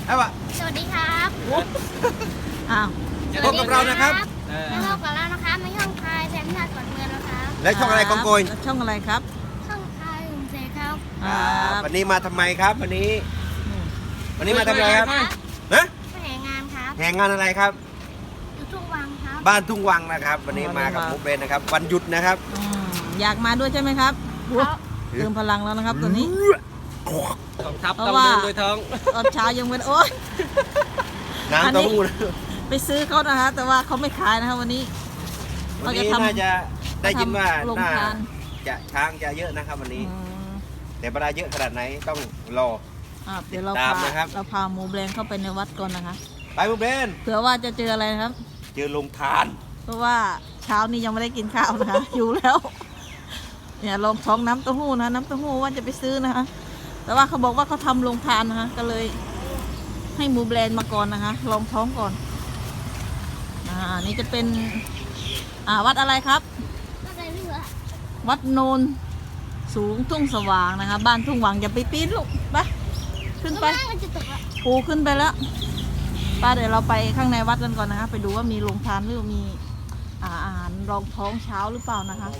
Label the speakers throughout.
Speaker 1: ครับอ่ะ
Speaker 2: สวัสดีครับ
Speaker 3: อ้าว
Speaker 1: พบกับเรานะครับ
Speaker 2: มาพบกับเรานะคะไม่ช่องคายแซมนาก่อนเมืองนะครับ
Speaker 1: และช่องอะไรกองโกย
Speaker 3: ช่องอะไรครับ
Speaker 2: ช่องคายหุ่นเซครับ
Speaker 1: วันนี้มาทำไมครับวันนี้มาทำอะไรครับฮะ
Speaker 2: ไปแห่งานครับ
Speaker 1: แห่งานอะไรครับ
Speaker 2: อยู่ทุ่งวังครับ
Speaker 1: บ้านทุ่งวังนะครับ วันนี้มากับมุกเบนนะครับ วันหยุดนะครับ
Speaker 3: อยากมาด้วยใช่ไหมครับ
Speaker 2: ครับ
Speaker 3: เติมพลังแล้วนะครับตอนนี้
Speaker 4: ของทัพ
Speaker 3: เพ
Speaker 4: ต้อง
Speaker 3: ราะว่า
Speaker 4: เดินโดยท้อง
Speaker 3: ตอนเช้ายังเป็นโอ๊ย
Speaker 1: น้ำเต้าหู้นะ
Speaker 3: ไปซื้อเขานะคะแต่ว่าเขาไม่ขายนะครับวันนี้
Speaker 1: วันนี้น่าจะได้ยินว่า
Speaker 3: โรง
Speaker 1: น่า
Speaker 3: ทาน
Speaker 1: จะช้างจะเยอะนะครับ วันนี้ แต่เวลาเยอะขนาดไหนต้องรอ
Speaker 3: เดี๋ยวเรา
Speaker 1: ตาม
Speaker 3: พา
Speaker 1: นะครับ
Speaker 3: เราพาหมูแบรนด์เข้าไปในวัดก่อนนะคะ
Speaker 1: ไปมุกเบน
Speaker 3: เผื่อว่าจะเจออะไรนะครับ
Speaker 1: เจอลงทาน
Speaker 3: เพราะว่าเช้านี้ยังไม่ได้กินข้าวนะคะ อยู่แล้วเนี่ยลองท้องน้ำเต้าหู้นะน้ำเต้าหู้ว่าจะไปซื้อนะคะแต่ว่าเขาบอกว่าเขาทำโรงทานนะคะก็เลยให้หมูแบรนด์มาก่อนนะคะลองท้องก่อนนี่จะเป็นวัดอะไรครับ
Speaker 2: ก็เลยเลือก
Speaker 3: วัดโนนสูงทุ่งสว่างนะคะ บ้านทุ่งหวังอย่าไปปีนลูกไปขึ้นไป
Speaker 2: มันจะตกอ่ะ
Speaker 3: ปูขึ้นไปแล้วป้าเดี๋ยวเราไปข้างในวัดกันก่อนนะคะไปดูว่ามีโรงทานหรือมีอาหารรองท้องเช้าหรือเปล่านะคะ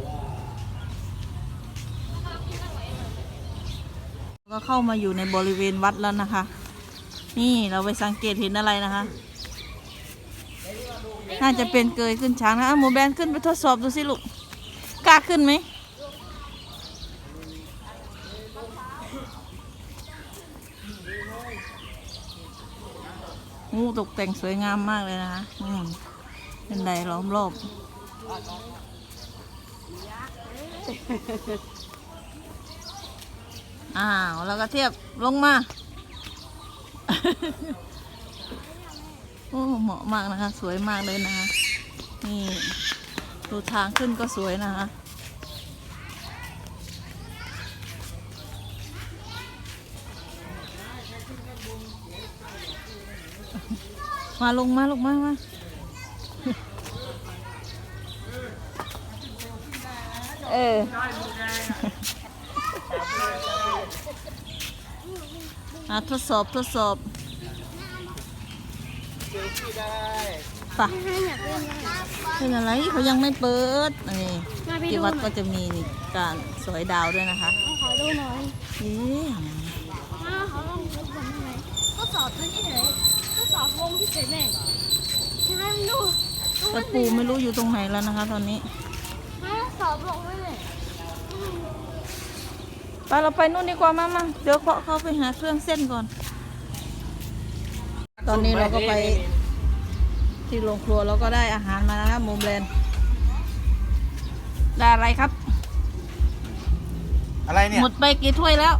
Speaker 3: ก็เข้ามาอยู่ในบริเวณวัดแล้วนะคะ นี่เราไปสังเกตเห็นอะไรนะคะน่าจะเป็นเกยขึ้นช้างนะหมูแบนขึ้นไปทดสอบดูสิลูกกล้าขึ้นไหมงูตกแต่งสวยงามมากเลยนะคะเป็นไดล้อมรอบแล้วก็เทียบลงมาโอ้เหมาะมากนะคะสวยมากเลยนะคะนี่ดูทางขึ้นก็สวยนะคะมาลงมาลูกมาทดสอบป่ะ
Speaker 2: อยากเล่นนะ
Speaker 3: เป็นอะไรเขายังไม่เปิดนี่
Speaker 2: มาไป
Speaker 3: ที่
Speaker 2: ดูห
Speaker 3: วัด
Speaker 2: น่
Speaker 3: ก็
Speaker 2: อย
Speaker 3: จะมีการสวยดาวด้วยนะคะ
Speaker 2: ขอดูหน่อย
Speaker 3: เอ๊ะ
Speaker 2: มาขอลองทดสอบหน่อยทดสอบพื้นที่เฉยทดสอบวงที่เฉยแม่ให้มันดู
Speaker 3: แต่ปูไม่รู้อยู่ตรงไหนแล้วนะคะ ตอนนี้
Speaker 2: ให้สอบลงด้วยเลย
Speaker 3: ไปเราไปนู่นดีกว่ามาเดี๋ยวเขาไปหาเครื่องเส้นก่อน ตอนนี้เราก็ไปที่โรงครัวเราก็ได้อาหารมาแล้วครับหมูแบรนด์ได้อะไรครับ
Speaker 1: อะไรเนี่ย
Speaker 3: หมดไปกี่ถ้วยแล้ว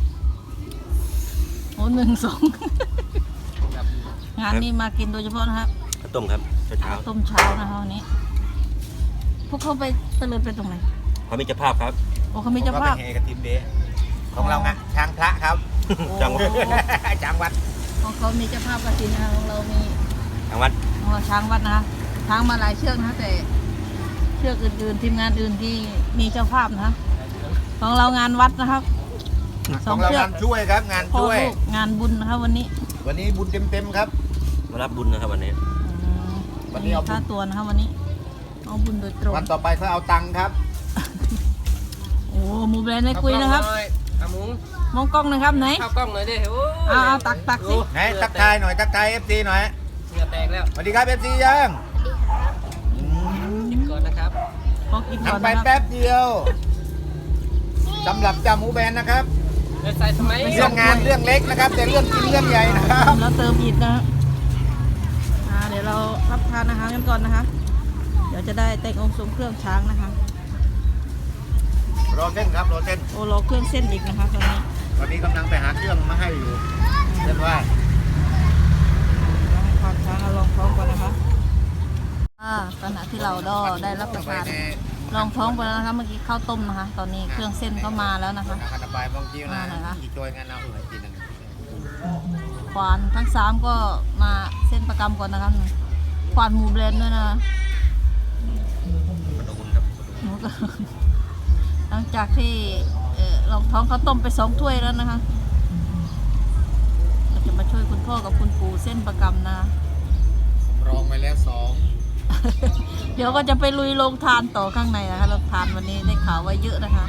Speaker 3: โอ้1 2 งานนี้มากินโดยเฉพาะนะครับ
Speaker 1: ข้าวต้มครับเช้า
Speaker 3: ต้มเช้านะคะวันนี้ พวกเขาไปเตลิดไปตรงไหน
Speaker 1: เขามีเจ้าภาพครับ
Speaker 3: โอ้เขามีเจ้าภาพ
Speaker 1: เฮกับทีมเดย์ของเราไงช้างพระครับจังหวัดจังหวัด
Speaker 3: ของเขามีเจ้าภาพกฐินนะคะของเรามี
Speaker 1: จังหวัด
Speaker 3: ของเราช้างวัดนะคะช้างมาหลายเชือกนะคะแต่เชือกอื่นๆทีมงานอื่นที่มีเจ้าภาพนะคะของเรางานวัดนะครับ
Speaker 5: ของเรางานช่วยครับงาน
Speaker 3: พ่อ
Speaker 5: ช่วย
Speaker 3: ลูกงานบุญนะคะวันนี้
Speaker 5: วันนี้บุญเต็มๆครับ
Speaker 1: มารับบุญนะครับวันนี้
Speaker 5: วันนี้เอาบุญ
Speaker 3: ค่าตัวนะคะวันนี้เอาบุญโดยตรง
Speaker 5: วันต่อไปเขาเอาตังค์ครับ
Speaker 3: โอ้หมูแบรนด์ไม่คุยนะครับ
Speaker 4: อามุ้ง
Speaker 3: มองกล้องหนะครับไหน
Speaker 4: เข้ากล้องหน่อยดิโอ้ย
Speaker 3: เอาตักสิ
Speaker 5: ไหนทักทายหน่อยทักทาย FC หน่อย
Speaker 4: เหงื่อแตกแล้ว
Speaker 5: สวัสดีครับ FC ยัง
Speaker 4: กินก่อนนะครับ
Speaker 3: ขอกินก่อน
Speaker 5: ทำไป
Speaker 3: นะครับ
Speaker 5: แป๊บเดียวสำหรับจ่าหมูแบนนะครับ
Speaker 4: เดินใส่สมัย
Speaker 5: เรื่องงานเรื่องเล็กนะครับ แต่เรื่องกินเรื่องใหญ่นะครับ
Speaker 3: แล้วเติมอีกนะฮะเดี๋ยวเรารับทานอาหารกันก่อนนะคะ เดี๋ยวจะได้แต่งองค์ทรงเครื่องช้างนะคะ
Speaker 5: รอเส้นครับรอเส้น
Speaker 3: โอ้รอเครื่องเส้นอีกนะคะตอนนี้
Speaker 5: ตอนนี้กำลังไปหาเครื่องมาให้อยู่เรียกว่า
Speaker 3: ควานช้างเอาลองท้องก่อนนะคะขณะที่เราได้รับประทานลองท้องไปแล้วนะคะเมื่อกี้ข้าวต้มนะคะ ตอนนี้เครื่องเส้นก็มาแล้วนะคะ
Speaker 5: คาราบายบางทีนะ
Speaker 3: นะคะ
Speaker 5: อีกช่วยงานเอาอื่นกินนะ
Speaker 3: ควานทั้ง3ก็มาเส้นประกำก่อนนะคะควานหมูแบรนด์ด้วยนะคะหมูก็ หลังจากที่ลองท้องข้าวต้มไป2 ถ้วยแล้วนะคะเราจะมาช่วยคุณพ่อกับคุณปู่เส้นประกำนะ
Speaker 5: รองไปแล้ว2
Speaker 3: เดี๋ยวก็จะไปลุยโรงทานต่อข้างในนะคะโรงทานวันนี้ได้ข่าวว่าเยอะนะคะ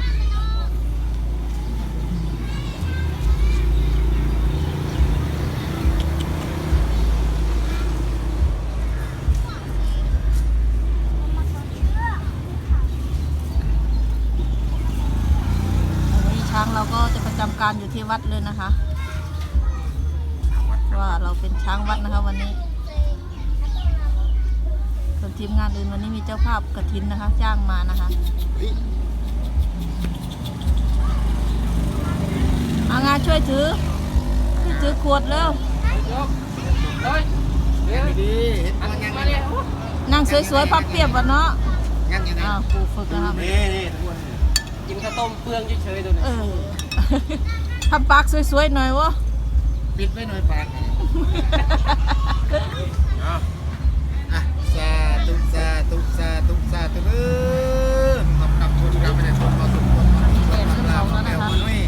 Speaker 3: วันนี้ช้างเราก็จะประจำการอยู่ที่วัดเลยนะคะว่าเราเป็นช้างวัดนะคะวันนี้ส่วนทีมงานอื่นวันนี้มีเจ้าภาพกฐินนะคะ จ้างมานะคะเอางานช่วยถือขวดเร็ว
Speaker 4: ยกเฮ้ยเดี๋ยว
Speaker 5: ดีเห็น
Speaker 4: อัน
Speaker 5: มันยัง
Speaker 4: มาเลย
Speaker 3: นั่งสวยๆพับเพียบวะเนาะ
Speaker 5: ยังอยู่นะ
Speaker 3: อ้าวครูฝึกนะครับ
Speaker 1: นี่ทุกคน
Speaker 4: กินข้าวต้มเปลืองเฉยๆตัวนี้
Speaker 3: เออ ทำปากสวยๆหน่อยวะ
Speaker 5: ปิดไว้หน่อยปาก
Speaker 1: เอา
Speaker 5: อ่ะสาธุสาธุสาธุสาธุเด้อขอบคุณคุณครับไม่ได้ชมมาสุขคนมาสุขคนมาลามาแมวมานุ้ย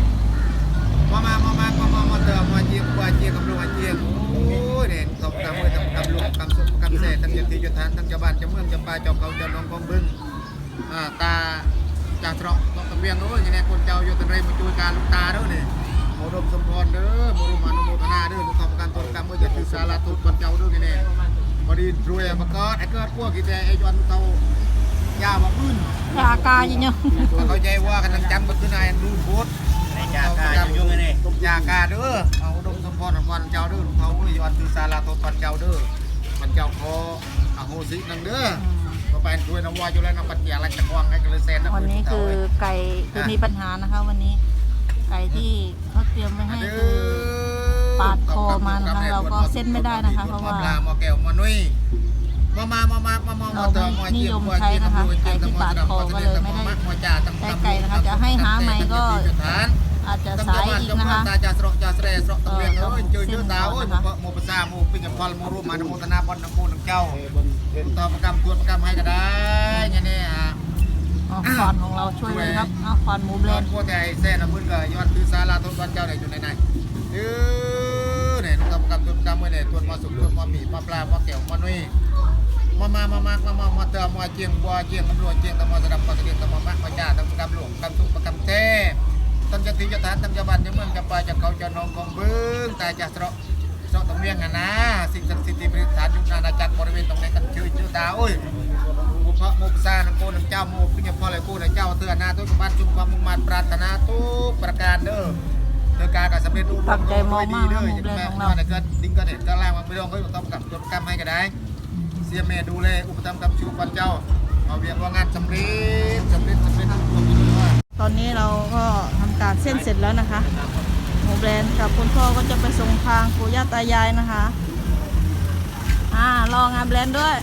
Speaker 5: มาเติมมาเจียงกว่าเจียงกับลูกมาเจียงโอ้ยเนี่ยขอบคุณมือกับลูกกับสุขกับเสทั้งยันทีจุทานทั้งเจ้าบ้านเจ้าเมืองเจ้าป่าเจ้าเขาเจ้าน้องกองบึงตาจากตรอกต้องตะเบียงด้วยอย่างนี้คนเจ้าอยู่ตะเรมาช่วยการลูกตาด้วยเนี่ยโมดมสมพรเด้อโมรุมานุโมทนาเด้อลูกขอบการต้นกรรมเมื่อจะถือสาราตุคนเจ้าด้วยอย่างนี้พอดีรวยมาก็ไอ้เกิดพวกกี่แต่ไอ้จวนเขายามาพื้น
Speaker 3: ยากาจริงๆ
Speaker 5: เขาใจว่ากันทั้งจำก็คือนายดูโพส
Speaker 1: ในจาการยุ่งๆนี่
Speaker 5: ยากาเด้อเอาดมสมพรคนเจ้าเด้อลูกเขายอนถือสาราตุคนเจ้าเด้อมันเจ้าคออโหสินังเด้อก็ไปรวยน้ำว่าอยู่แล้วน้ำปัจเจียอะไรจะควังให้กันเลยเซน
Speaker 3: วันนี้คือไก่คือมีปัญหานะคะ วันนี้ไก่ที่เขาเตรียมไว้ให้คือปาดคอมานะคะเราก็เส้นไม่ได้นะคะ เพราะว่า
Speaker 5: ปลาหมอแก้วหมอนุ้ยมา
Speaker 3: เราไม่นิยมใช้นะคะไก่ที่ปาดคอก็เลยไม่ได้ใช้ไก่นะคะจะให้หาใหม่ก็อาจจะสายอีกนะคะ
Speaker 5: ตาจะสระจะเสระสระตะเวียงเอ้ยเจอเยอะดาวเอ้ยโมภาษาโมปิญญพลโมรูมาโมตนาบอลน้ำมูน้ำเจ้าต่อประกำตัวประกำให้ก็ได้เนี่ยเนี่ย
Speaker 3: ขอนของเราช่วยเลยครับเอาขอนหมูแบร
Speaker 5: ยอน ด
Speaker 3: ด์
Speaker 5: พวกแต่เส้นน้ำมือก็ยอดคือสาราต้นวันเจ้าไหนอยู่ในไหนเนี่ยต่อประกำตัวประกำเมื่อเนี่ยตัวมาสุกตัวมาหมี่มาปลามาแก้วมานุ้ยมาเติมมาเจียงบัวเจียงตำรวจเจียงตำรวจระดับปกติตำรวจมาจ่าตำรวจกำหลวงกำสุกประกำเท่ตำจะตีจะทานตำจะบันจะเมืองจะปลาจะเขาจะนองของบึ้งแต่จะสระตะเมียงนะสิ่งศักดิ์สิทธิ์บริษัทยุนานาจักรบริเวณตรงนี้กันชื่อดาวโมพระโมปซาโกน้ำเจ้าโมปิญญพลเลยกูนะเจ้าเตือนนาทุกบ้านจุ่มความมุ่งมั่นปรารถนาทุกประการเด้อเธอการกับสำเร็จดีเด้ออย่างแม่ว่าเกิดดิ้งก็เด็ดก็ล่างมันไม่ต้องเฮ้ยต้องกับจดกรรมให้ก็ได้เสียเมดูเลยอุปถัมภ์กับชูปันเจ้าเอาเวียนว่างานสำเร็จทุกคนด้วย
Speaker 3: ตอนนี้เราก็ทำการเส้นเสร็จแล้วนะคะหมูแบรนด์กับคุณพ่อก็จะไปส่งทางปู่ย่าตายายนะคะรองานแบรนด์ด้วย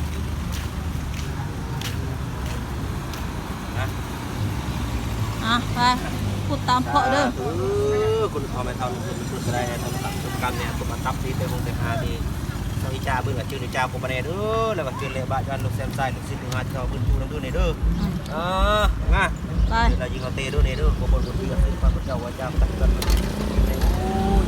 Speaker 3: ไปพูดตามเพาะเด้อ
Speaker 1: คุณพอไม่เท่าคุณสุดได้ทำตุกรรมเนี่ยตุกตับที่เต็มวงเต็มหาดีสวิจาเบื่อชื่อเจ้าโคบเนเด้อแล้วก็ชื่อเลบะจันลูกแซมไซลูกศิษย์งานชาวพื้นชูน้ำดื้อเนเด้อง่ะ
Speaker 3: ไป
Speaker 1: เรายิงเอาเตะด้วยเนเด้อโคบนเรือซึ่งความเจ้าว่าเจ้าตักกันโอ้ย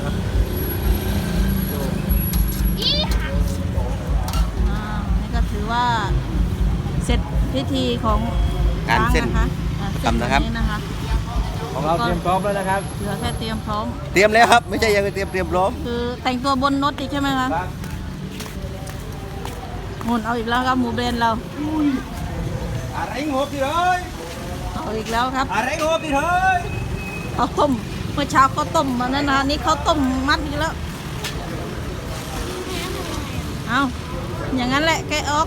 Speaker 3: นี่ก็ถือว่าเสร็จพิธีของช้างนะคะเส้นแบบนี้นะคะ
Speaker 1: ของเราเตรียมพร้อมแล้วนะครับ
Speaker 3: เหลือแค่เตรียมพร้อม
Speaker 1: เตรียมแล้วครับไม่ใช่ยังเตรียมพร้อม
Speaker 3: คือแต่งตัวบนรถอีกใช่ไหมคะหมุนเอาอีกแล้วครับหมูแบรนด์เรา
Speaker 1: อะไรงบดิเลย
Speaker 3: เอาอีกแล้วครับ
Speaker 1: อะไรงบดิเลย
Speaker 3: เขาต้มเมื่อเช้าเขาต้มมานั่นนะนี่เขาต้มมัดอีกแล้วเอาอย่างนั้นแหละแกะออก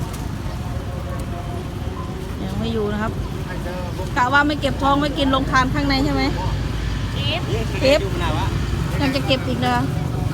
Speaker 3: ยังไม่อยู่นะครับกะว่าไม่เก็บทองไม่กินลงทานข้างในใช่ไหมเก็บยังจะเก็บอีกเลย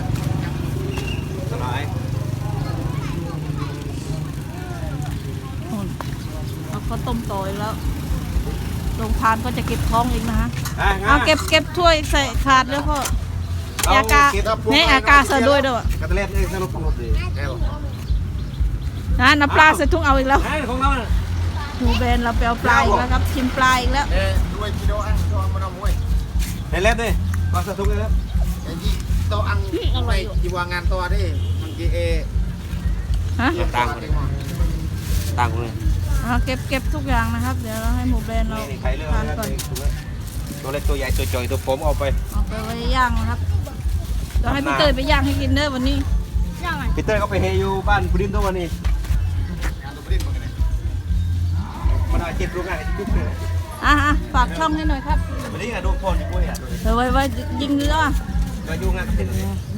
Speaker 3: เอาเขาต้มต่ออีกแล้วลงทานก็จะเก็บทองอีกนะฮะเอาเก็บถ้วยใส่ถาดแล้วพ่อ อากาเนี่ยอากาใส่ด้วยด้วย
Speaker 1: กระเทศสนุกดีแค่บอก
Speaker 3: นะน้ำปลาใส่ถุงเอาอีกแล้ว
Speaker 1: ของเรา
Speaker 3: หมูแบนเราไปเอาปลาอีกแล้วครับชิมปลาอีกแล้ว
Speaker 5: ด้วยกิโลอันตัวมันเอามวย
Speaker 1: เห็นเล็บดิมาสะทุกเลยครับ
Speaker 5: ไอ้ยี่โตอังในจีวางานตัวดิมันจีเอ
Speaker 3: ฮะ
Speaker 1: ต่างคนเลยต่างคนเลย
Speaker 3: เก็บทุกอย่างนะครับ เดี๋ยวเราให้หมูแบรนด์เรา
Speaker 1: นี่ใครเลือก
Speaker 3: ทานก่อน
Speaker 1: ตัวเล็กตัวใหญ่ตัวจ่อยตัวผมเอาไป
Speaker 3: เอาไปไว้ย่างนะครับเดี๋ยวให้พี่เตยไปย่างให้กินเด้อวันนี้
Speaker 2: ย่างไง
Speaker 1: พีเตอร์ก็ไปเฮอยู่บ้านพุดินตัววันนี้
Speaker 5: งานตัวปริ้นมาไง
Speaker 1: มันเอาเจ็บรู้ง่ายทุกเลย
Speaker 3: ฝากช่องให้หน่อยครับ
Speaker 1: วันนี้ไงดูพรอยู่ด้วยอ่ะ
Speaker 3: ไว้ยิงเรือ
Speaker 1: ก็ยุ่งงานเป็น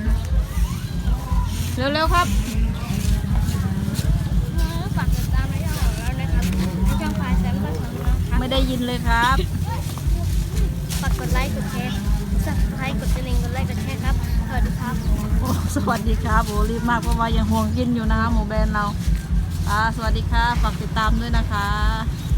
Speaker 3: เร็วๆครับ
Speaker 2: ฝากติดตามในช่องของเรานะครับในช่องพายแซมก็ทำนะครับ
Speaker 3: ไม่ได้ยินเลยครับ
Speaker 2: ฝากกดไลค์กดแชร์สับสไครต์กดกระดิ่งกดไลค์กดแชร์ครับสวัสดีครับ
Speaker 3: โอ้สวัสดีครับโอ้รีบมากเพราะว่ายังห่วงกินอยู่นะคะหมูแบรนด์เราสวัสดีค่ะฝากติดตามด้วยนะคะ